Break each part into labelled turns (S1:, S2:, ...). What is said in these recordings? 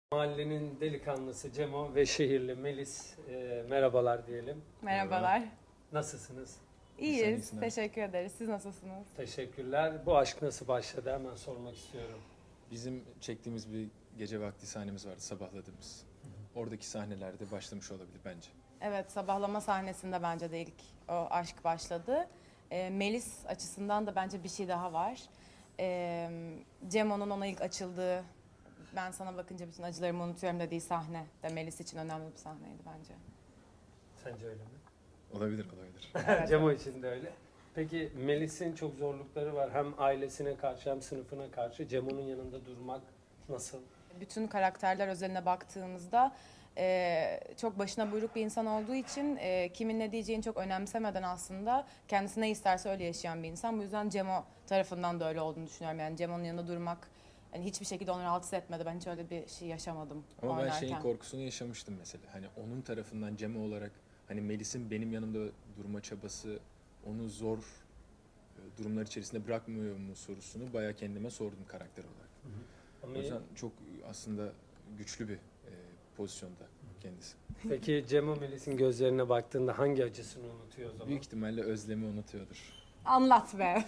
S1: Mahallenin delikanlısı Cemo ve şehirli Melis, merhabalar diyelim.
S2: Merhabalar.
S1: Nasılsınız?
S2: İyiyiz. Teşekkür ederiz. Siz nasılsınız?
S1: Teşekkürler. Bu aşk nasıl başladı? Hemen sormak istiyorum.
S3: Bizim çektiğimiz bir gece vakti sahnemiz vardı, sabahladığımız. Oradaki sahnelerde başlamış olabilir bence.
S2: Evet, sabahlama sahnesinde bence de ilk o aşk başladı. Melis açısından da bence bir şey daha var. Cemo'nun ona ilk açıldığı, ben sana bakınca bütün acılarımı unutuyorum dediği sahne de Melis için önemli bir sahneydi bence.
S1: Sence öyle mi?
S3: Olabilir, olabilir.
S2: Evet.
S1: Cemo için de öyle. Peki Melis'in çok zorlukları var. Hem ailesine karşı hem sınıfına karşı. Cemo'nun yanında durmak nasıl?
S2: Bütün karakterler özeline baktığımızda çok başına buyruk bir insan olduğu için kimin ne diyeceğini çok önemsemeden aslında kendisi ne isterse öyle yaşayan bir insan. Bu yüzden Cemo tarafından da öyle olduğunu düşünüyorum. Yani Cemo'nun yanında durmak hani hiçbir şekilde onu rahatsız etmedi. Ben hiç öyle bir şey yaşamadım
S3: Ama ben
S2: oynarken.
S3: şeyin korkusunu yaşamıştım mesela. Hani onun tarafından Cemo olarak hani Melis'in benim yanımda durma çabası onu zor durumlar içerisinde bırakmıyor mu sorusunu bayağı kendime sordum karakter olarak.
S1: Ama
S3: O yüzden çok aslında güçlü bir pozisyonda kendisi.
S1: Peki Cemo Melis'in gözlerine baktığında hangi acısını unutuyor o zaman?
S3: Büyük ihtimalle özlemi unutuyordur.
S2: Anlat be.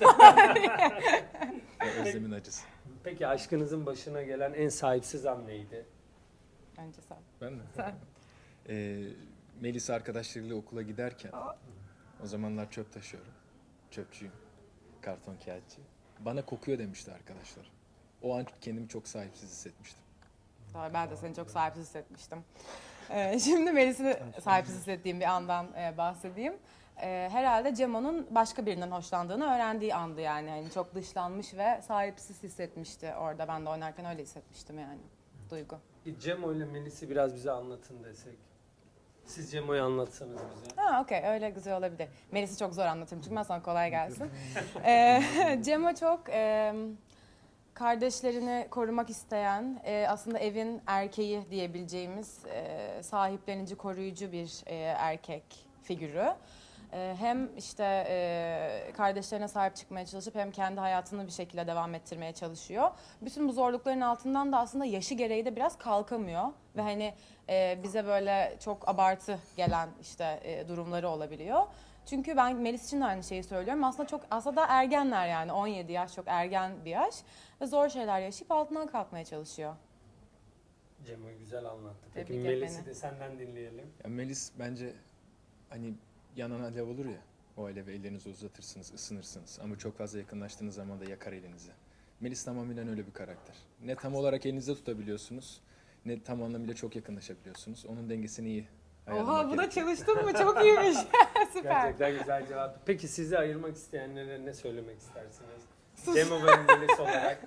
S3: O özlemin acısı.
S1: Peki aşkınızın başına gelen en sahipsiz an neydi?
S2: Önce sen.
S3: Ben mi?
S2: Sen.
S3: Melis arkadaşlarıyla okula giderken o zamanlar çöp taşıyorum. Çöpçüyüm. Karton kağıtçı. Bana kokuyor demişti arkadaşlar. O an kendimi çok sahipsiz hissetmiştim.
S2: Doğru, ben de seni çok sahipsiz hissetmiştim. Şimdi Melis'i sahipsiz hissettiğim bir andan bahsedeyim. Herhalde Cemo'nun başka birinden hoşlandığını öğrendiği andı yani. Yani çok dışlanmış ve sahipsiz hissetmişti orada. Ben de oynarken öyle hissetmiştim yani. Duygu.
S1: Cemo ile Melis'i biraz bize anlatın desek. Siz Cemo'yu anlatsanız bize.
S2: Ha, okey, öyle güzel olabilir. Melis'i çok zor anlatırım çünkü ben sana kolay gelsin. Cemo çok kardeşlerini korumak isteyen, aslında evin erkeği diyebileceğimiz sahiplenici, koruyucu bir erkek figürü. Hem işte kardeşlerine sahip çıkmaya çalışıp hem kendi hayatını bir şekilde devam ettirmeye çalışıyor. Bütün bu zorlukların altından da aslında yaşı gereği de biraz kalkamıyor. Ve hani bize böyle çok abartı gelen işte durumları olabiliyor. Çünkü ben Melis için de aynı şeyi söylüyorum. Aslında da ergenler yani 17 yaş çok ergen bir yaş. Ve zor şeyler yaşayıp altından kalkmaya çalışıyor.
S1: Cemo'yu güzel anlattı. Peki
S2: Tebrik et
S1: Melis'i
S2: beni.
S1: de senden dinleyelim.
S3: Ya Melis bence hani yanan alev olur ya. O alevi ellerinizi uzatırsınız, ısınırsınız. Ama çok fazla yakınlaştığınız zaman da yakar elinizi. Melis tamamıyla öyle bir karakter. Ne tam olarak elinizde tutabiliyorsunuz, ne tam anlamıyla çok yakınlaşabiliyorsunuz. Onun dengesini iyi ayarlamak
S2: Oha, buna
S3: gerekiyor.
S2: çalıştın mı? Çok iyiymiş. Süper.
S1: Gerçekten güzel cevap. Peki sizi ayırmak isteyenlere ne söylemek istersiniz? Cemo ve Melis olarak.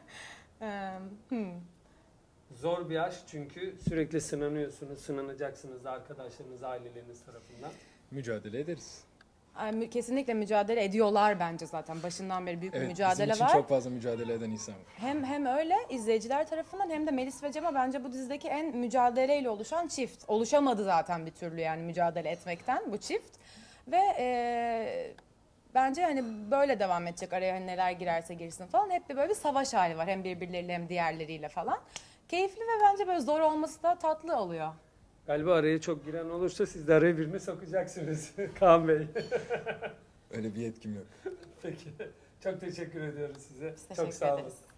S1: Zor bir aşk çünkü sürekli sınanıyorsunuz, sınanacaksınız da arkadaşlarınız, aileleriniz tarafından.
S3: Mücadele ederiz.
S2: Kesinlikle mücadele ediyorlar bence zaten. Başından beri büyük bir
S3: Evet,
S2: mücadele
S3: bizim için
S2: var.
S3: çok fazla mücadele eden insan var.
S2: Hem öyle izleyiciler tarafından hem de Melis ve Cemo bence bu dizideki en mücadeleyle oluşan çift. Oluşamadı zaten bir türlü yani mücadele etmekten bu çift. Ve bence hani böyle devam edecek, araya hani neler girerse girsin falan. Hep bir böyle bir savaş hali var hem birbirleriyle hem diğerleriyle falan. Keyifli ve bence böyle zor olması da tatlı oluyor.
S1: Galiba araya çok giren olursa siz de araya birini sokacaksınız Kaan Bey.
S3: Öyle bir yetkim yok.
S1: Peki. Çok teşekkür ediyoruz size.
S2: Biz
S1: Çok
S2: teşekkür
S1: sağ olun.
S2: ederiz.